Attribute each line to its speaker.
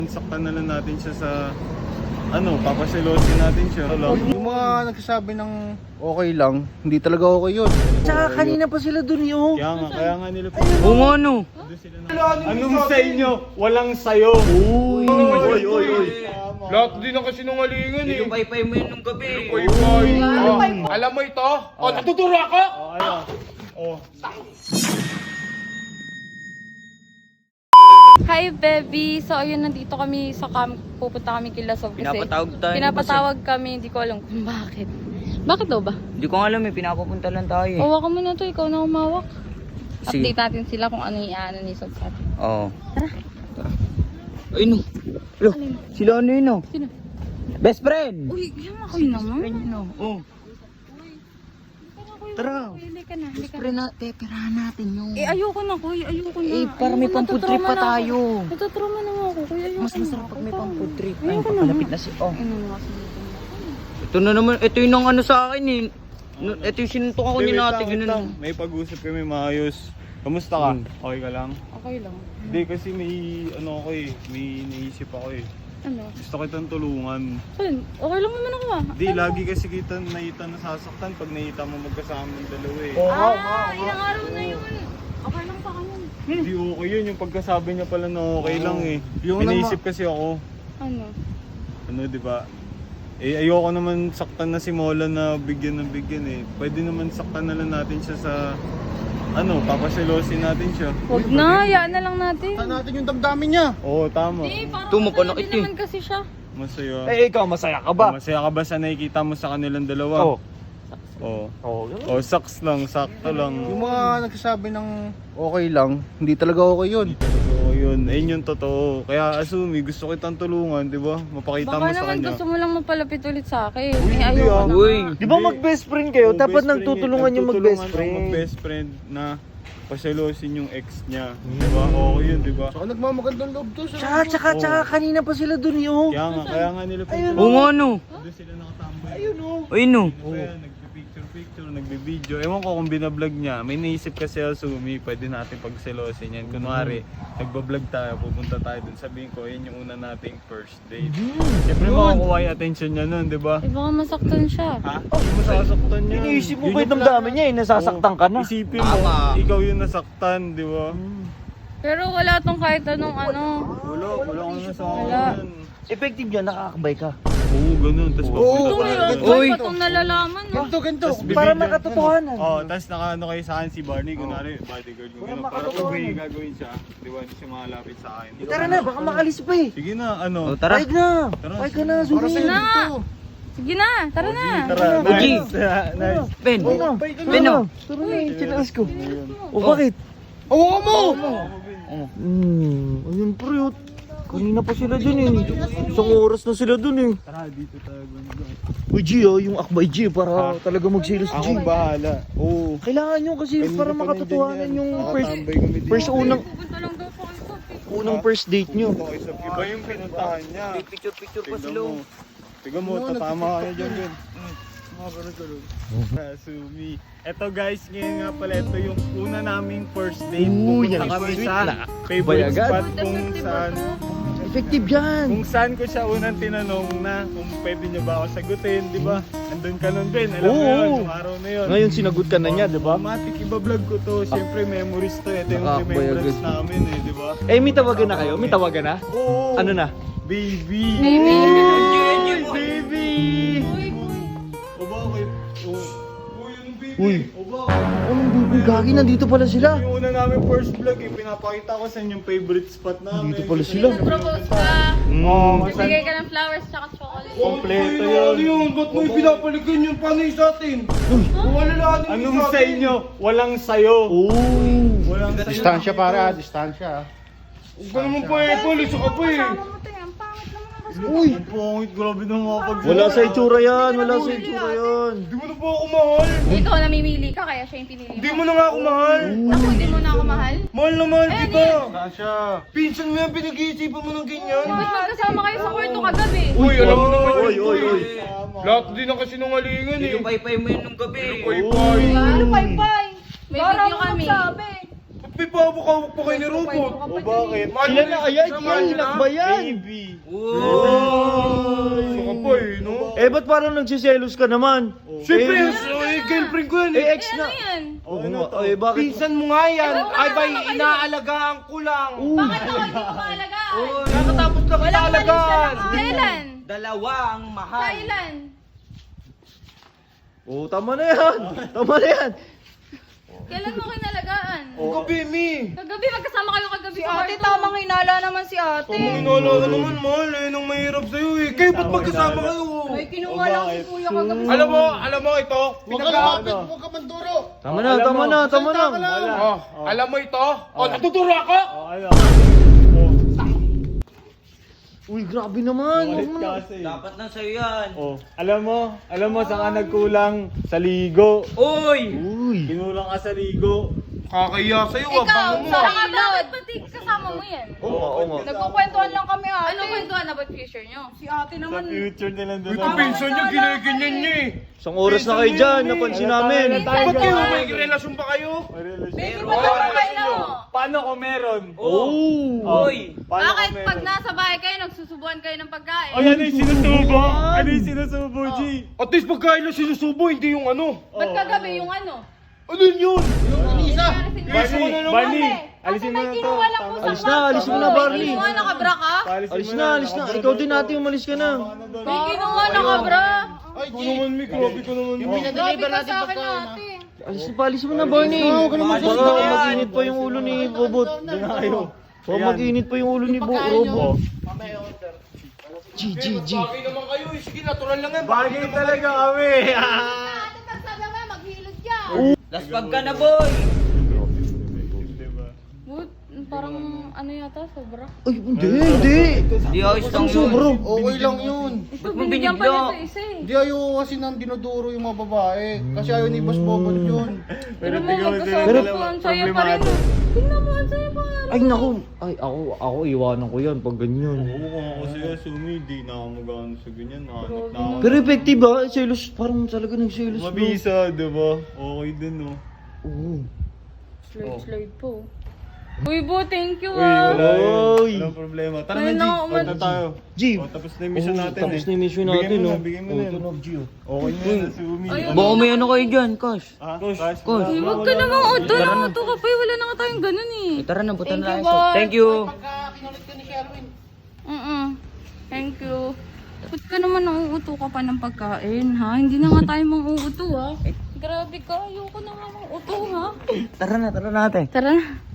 Speaker 1: Saktan na lang natin siya sa papaselosin natin siya.
Speaker 2: Yung mga nagsasabi ng okay lang, hindi talaga okay yun. Tsaka kanina pa sila dun yun.
Speaker 1: Kaya nga nila
Speaker 3: Oo nga no.
Speaker 1: Anong sa inyo? Walang sayo.
Speaker 2: Uy.
Speaker 4: Lahat din ang kasinungalingan eh.
Speaker 3: Yung paypay mo yun nung gabi.
Speaker 4: Alam mo ito? O, natuturo ako?
Speaker 5: Hi, baby! So, ayun, nandito kami sa pupunta kami kila Sob kasi pinapatawag kami, hindi ko alam kung bakit. Bakit daw ba?
Speaker 3: Hindi ko nga alam eh, pinapapunta lang tayo eh.
Speaker 5: Hawakan mo na to, ikaw na umawak.
Speaker 3: Sige.
Speaker 5: Update natin sila kung ano yung ano ni Sob sa atin.
Speaker 3: Oo. Tara. Ay no. Hello, sila ano yun no?
Speaker 5: Sino?
Speaker 3: Best friend!
Speaker 5: Uy, yan ako yun naman.
Speaker 3: Friend yun no? Oo. Tara.
Speaker 5: Hindi ka na, hindi ka
Speaker 3: Pre na, perahan natin yung...
Speaker 5: Eh, ayoko na, kuy. Ayoko na.
Speaker 3: Eh, para may pang-food trip pa tayo.
Speaker 5: Natatrauma na nga ako, kuy. Ayoko
Speaker 3: Mas masarap pag may pang-food trip. Ay,
Speaker 5: Ayoko na.
Speaker 3: papalapit na si... Oh.
Speaker 5: Ano nga sa
Speaker 3: Ito na naman, ito yung ang ano sa akin eh. Ito yung sinuntok ako ni nati,
Speaker 1: Wait lang.
Speaker 3: ganun.
Speaker 1: May pag-usap kami maayos. Kamusta ka? Okay ka lang?
Speaker 5: Okay lang.
Speaker 1: Hindi kasi may may naisip ako eh.
Speaker 5: Ano?
Speaker 1: Gusto kitang tulungan.
Speaker 5: Ayun, okay lang naman ako ah.
Speaker 1: Di, lagi kasi kita nasasaktan pag nakita mo magkasama ng dalawa eh.
Speaker 5: Ilang araw na yun. Okay lang sa kanya.
Speaker 1: Di okay yun, yung pagkasabi niya pala na okay lang eh.
Speaker 2: Yung
Speaker 1: May naisip kasi ako,
Speaker 5: Ano?
Speaker 1: di ba? Eh, ayoko naman saktan na si Mola na bigyan eh. Pwede naman saktan na lang natin siya sa, papaselosin natin siya.
Speaker 5: Huwag na, hayaan na lang natin.
Speaker 2: Saan natin yung damdamin niya?
Speaker 1: Oo, tama.
Speaker 5: Parang
Speaker 3: Tumapanak
Speaker 5: masaya
Speaker 3: ito
Speaker 5: din
Speaker 3: eh.
Speaker 5: naman kasi siya.
Speaker 1: Masaya.
Speaker 4: Ikaw, masaya ka ba?
Speaker 1: Masaya ka ba sa nakikita mo sa kanilang dalawa? Oo. Oh, saks lang, sakto lang.
Speaker 2: Yung mga nagsasabi ng okay lang, hindi talaga okay yun.
Speaker 1: Oo, yun. Ayun yung totoo. Kaya assume, gusto kitang tulungan, di ba? Mapakita
Speaker 5: Baka
Speaker 1: mo sa
Speaker 5: naman
Speaker 1: kanya.
Speaker 5: gusto mo lang mapalapit ulit sa akin.
Speaker 1: Uy,
Speaker 5: Eh,
Speaker 1: hindi
Speaker 5: ayoko
Speaker 1: ah.
Speaker 5: na.
Speaker 3: Uy.
Speaker 4: Di ba mag-best friend kayo?
Speaker 1: Oo,
Speaker 4: Dapat
Speaker 1: best friend
Speaker 4: nagtutulungan yung mag-best friend.
Speaker 1: mag-best friend na paselosin yung ex niya. Di ba? Oo, yun, di ba?
Speaker 2: Saka nagmamagandang loob to.
Speaker 4: Tsaka kanina pa sila dun yun.
Speaker 1: Kaya nga nila
Speaker 3: Oo nga no.
Speaker 1: doon sila nakatambay.
Speaker 3: Ay no.
Speaker 1: Kaya nagpipicture, nagbibideo. Ewan ko kung binablog niya. May naisip kasi Sumi, pwede natin pagselosin yan. Kunwari, nagbablog tayo, pupunta tayo dun. Sabihin ko, yan yung una nating first date. Siyempre makukuha yung attention niya nun, di ba?
Speaker 5: Eh, baka masaktan siya.
Speaker 1: Ha? Hindi mo sasaktan niya.
Speaker 4: Iniisip mo
Speaker 1: Yun
Speaker 4: ba
Speaker 1: yung
Speaker 4: yung damdamin niya eh, nasasaktan ka na.
Speaker 1: Isipin mo, ikaw yung nasaktan, di ba?
Speaker 5: Pero wala tong kahit anong ano.
Speaker 1: Wala ko na sa
Speaker 5: Wala.
Speaker 1: akin.
Speaker 4: Effective yan, nakakabay ka.
Speaker 1: Oo, ganun. Tapos
Speaker 5: Ito
Speaker 1: papunta
Speaker 5: yun,
Speaker 1: tayo.
Speaker 3: Uy.
Speaker 5: ba't itong nalalaman mo?
Speaker 2: Ganto.
Speaker 4: Para makatotohanan.
Speaker 1: Tapos nakaano kayo sa akin si Barney, kunwari bodyguard ko gano'n. Para kung may gagawin siya, di ba, hindi siya makalapit sa akin.
Speaker 4: Tara na, baka makalis pa eh.
Speaker 1: Sige na, ano?
Speaker 3: Oh, tara.
Speaker 4: Pahig na.
Speaker 1: Tara.
Speaker 4: Pahig ka na,
Speaker 2: Para
Speaker 4: Zumi.
Speaker 2: sa'yo
Speaker 5: Na.
Speaker 2: dito.
Speaker 5: Sige na, tara na.
Speaker 1: Tara,
Speaker 3: Uji.
Speaker 1: nice. Nice.
Speaker 3: Ben.
Speaker 4: Oo na,
Speaker 3: Ben no.
Speaker 4: Tara na, chinaas ko. O bakit?
Speaker 2: Oo mo!
Speaker 4: Ayun pre, kanina pa sila dun eh. Isang oras na sila dun eh.
Speaker 1: Tara, dito tayo.
Speaker 4: Uy G yung akbay G para talaga magsilos G.
Speaker 1: Ako bahala. Oo.
Speaker 4: Kailangan nyo kasi para makatotohanan yung first
Speaker 5: Pupunta lang daw sa kayo.
Speaker 4: unang first date nyo.
Speaker 1: Iba yung pinuntahan niya.
Speaker 3: Picture pa
Speaker 1: Tignan
Speaker 3: sila.
Speaker 1: mo. Tignan mo, tatama ka niya dyan, Ben. Sumi. Eto guys, ngayon nga pala, ito yung una naming first date. Pupunta kami sa favorite spot kung saan.
Speaker 4: Effective yan.
Speaker 1: Kung saan ko siya unang tinanong na kung pwede niya ba ako sagutin, di ba? Andun ka nun, Ben. Alam mo
Speaker 4: Oo.
Speaker 1: yun, yung araw na yun.
Speaker 4: Ngayon sinagot ka na niya, di ba?
Speaker 1: Automatic, iba-vlog ko to. Siyempre, memories to. Ito yung remembrance namin eh, di ba?
Speaker 4: Eh, may tawagan na kayo? May tawagan na?
Speaker 1: Oo.
Speaker 4: Ano na?
Speaker 1: Baby!
Speaker 5: Baby!
Speaker 1: Baby! O bakit? O, yung baby!
Speaker 4: Uy.
Speaker 1: O bakit?
Speaker 4: Anong baby? Gagi, nandito pala sila.
Speaker 1: Yung una namin first vlog eh, pinapakita ko sa inyo yung favorite spot namin.
Speaker 4: Dito pala sila.
Speaker 5: Propose ka.
Speaker 1: Oo,
Speaker 5: Bigay ka ng flowers tsaka chocolate.
Speaker 1: kompleto yun.
Speaker 4: Ba't mo pinapalikan yung panay sa atin? Wala na
Speaker 1: Anong sa inyo? Walang sayo. Walang sayo.
Speaker 2: Distansya para, distansya.
Speaker 4: Huwag ka naman pa eh, polis ka pa eh.
Speaker 1: Uy! Ang pangit, grabe na mga pag...
Speaker 4: Wala sa itsura yan, wala sa itsura yan.
Speaker 1: Di mo na po ako mahal.
Speaker 5: Ikaw namimili ka kaya siya yung pinili
Speaker 4: Hindi
Speaker 5: mo.
Speaker 4: mo na nga ako mahal.
Speaker 5: Ako hindi mo na ako mahal.
Speaker 4: Mahal na mahal kita.
Speaker 1: Distansya.
Speaker 4: Pinsan mo yan, pinag-iisipan mo ng ganyan.
Speaker 5: Ba't magkasama kayo sa kwarto kagabi?
Speaker 4: Uy, alam mo naman
Speaker 2: Oy, oy, oy.
Speaker 4: Lahat din ang kasinungalingan eh.
Speaker 3: Yung paypay mo yun nung gabi.
Speaker 4: Paypay.
Speaker 5: Ano, pay-pay? May video kami.
Speaker 2: May pabukawak pa kayo ni Robot.
Speaker 1: O bakit?
Speaker 4: Ilan na kaya? Ilan ba yan?
Speaker 1: Baby.
Speaker 2: Saka pa eh, no?
Speaker 4: Eh, ba't parang nagsiselos ka naman?
Speaker 2: Siyempre, girlfriend ko yan eh.
Speaker 4: Eh, ex
Speaker 5: Ano
Speaker 4: na.
Speaker 5: yan?
Speaker 4: Oo nga. Eh, bakit?
Speaker 2: Pinsan mo nga yan.
Speaker 5: Ano ba
Speaker 2: Ay ba,
Speaker 5: naman kayo?
Speaker 2: inaalagaan ko lang.
Speaker 5: Bakit ako hindi ko maalagaan?
Speaker 2: Nakatapos lang
Speaker 5: Walang mali siya
Speaker 2: inaalagaan.
Speaker 5: lang. Kailan?
Speaker 3: Dalawa ang mahal.
Speaker 5: Kailan?
Speaker 4: Oo, tama na yan. Tama na yan.
Speaker 5: Kailan mo kinalagaan?
Speaker 2: Gabi, Mi.
Speaker 5: Kagabi, magkasama kayo kagabi
Speaker 6: Si
Speaker 5: sa
Speaker 6: ate,
Speaker 5: kwarto.
Speaker 6: tamang hinala naman si ate.
Speaker 2: Inaalala naman, mahal eh. Nang mahirap sa'yo eh. Kayo ba't magkasama kayo?
Speaker 6: Ay, kinuha lang si kuya kagabi.
Speaker 2: Alam mo ito? Huwag ka manduro.
Speaker 4: Tama na, tama na, tama na.
Speaker 2: Oh, alam mo ito? Oh, natuturo ako?
Speaker 1: O ano?
Speaker 4: Uy, grabe naman. Huwag mo na.
Speaker 1: Kasi.
Speaker 3: Dapat na sa'yo yan.
Speaker 1: Oh, alam mo saan ka nagkulang? Sa ligo.
Speaker 3: Uy!
Speaker 4: Uy.
Speaker 1: Kinulang ka sa ligo.
Speaker 2: Kakaya sa'yo,
Speaker 5: Ikaw,
Speaker 2: abango mo.
Speaker 5: saka bakit pati kasama mo yan?
Speaker 4: Oo nga.
Speaker 6: Nagkukwentuhan lang kami ate.
Speaker 5: Anong kwentuhan about future nyo?
Speaker 6: Si ate
Speaker 1: Sa
Speaker 6: naman.
Speaker 1: future nila doon.
Speaker 2: Ito, pinsan niya, ginaganyan niya eh.
Speaker 4: Isang oras na kayo dyan, napansin namin.
Speaker 2: Ba't kayo, may relasyon ba kayo?
Speaker 5: Baby, ba't kayo?
Speaker 1: Paano kung meron?
Speaker 4: Oh.
Speaker 3: Uy!
Speaker 1: Paano
Speaker 5: Bakit
Speaker 1: kung meron?
Speaker 5: pag nasa bahay kayo, nagsusubuan kayo ng pagkain?
Speaker 1: Ay, ano yung sinusubo? Ano yung sinusubo, G?
Speaker 2: At least pagkain lang sinusubo, hindi yung ano.
Speaker 5: Ba't kagabi yung ano?
Speaker 2: Ano yun?
Speaker 1: Barney, alisin mo na to.
Speaker 4: Alis na, alis mo na, Barney.
Speaker 5: Kinuha na kabra ka?
Speaker 4: Alis na, alis na. Ikaw din natin, umalis ka na.
Speaker 5: May kinuha na kabra.
Speaker 2: Ano naman, Mi? Grabe ka naman.
Speaker 5: Grabe ka sa akin ate.
Speaker 4: Alis mo na, Barney. Baka mag-init pa yung ulo ni Bobot. Baka mag-init pa yung ulo ni Robo. G.
Speaker 2: Bagay naman kayo eh. Sige, natural lang yan.
Speaker 1: Bagay talaga kami.
Speaker 5: Ate, pagsabi mo, maghilod ka.
Speaker 3: Laspag ka na, boy!
Speaker 1: Diba?
Speaker 5: But, parang ano yata, sobra.
Speaker 4: Ay, hindi.
Speaker 3: Di ayos lang yun.
Speaker 4: Sobro.
Speaker 2: Okay lang yun.
Speaker 5: Ito,
Speaker 3: Ba't mo
Speaker 5: binigyan pa
Speaker 3: binigla?
Speaker 5: nito isa eh.
Speaker 2: Hindi ayoko kasi nang dinuduro yung mga babae. Kasi ayaw ni Boss Bobot yun.
Speaker 5: Pero mo,
Speaker 1: tingnan mo
Speaker 5: magkasama
Speaker 1: sila,
Speaker 5: ko, ang saya pa rin.
Speaker 1: problemado.
Speaker 5: Tingnan mo, ang saya pa rin.
Speaker 4: Ay, naku. Ay, ako iwanan ko yan pag ganyan.
Speaker 1: Oo, kung ako siya, Sumi, di na ako mag-ano sa ganyan. Nahanap na ako.
Speaker 4: Pero effective ba? Selos, parang talaga nagselos. no?
Speaker 1: Mabisa, diba? Okay din, no?
Speaker 4: Oo.
Speaker 5: Slide po. Uy, Bo, thank you
Speaker 1: Uy,
Speaker 5: ah.
Speaker 1: wala yun.
Speaker 4: Oy.
Speaker 1: Walang problema. Tara
Speaker 5: Ayun
Speaker 1: na, G.
Speaker 5: na,
Speaker 1: Punta
Speaker 5: umat-
Speaker 1: tayo.
Speaker 4: G.
Speaker 1: O, tapos na yung mission natin eh.
Speaker 4: Tapos na yung mission natin,
Speaker 1: Bigyan mo
Speaker 4: no?
Speaker 1: na, bigyan mo na.
Speaker 4: Tunog, G.
Speaker 1: Okay na yun, Sumi.
Speaker 5: Ayun.
Speaker 3: Baka may ano kayo dyan, Cash.
Speaker 1: Ha?
Speaker 3: Kosh.
Speaker 5: Uy, huwag ka namang uto na uto ka pa. Wala na nga tayong ganun eh.
Speaker 3: Tara na, butan
Speaker 5: Thank
Speaker 3: na
Speaker 5: you,
Speaker 3: tayo.
Speaker 5: boss.
Speaker 3: Thank you.
Speaker 5: Thank you. Ba't ka naman nauuto ka pa ng pagkain, ha? Hindi na nga tayo mang-uuto, ha? Grabe ka, ayoko na nga mang-uto, ha?
Speaker 3: Tara na, tara natin.
Speaker 5: Tara na.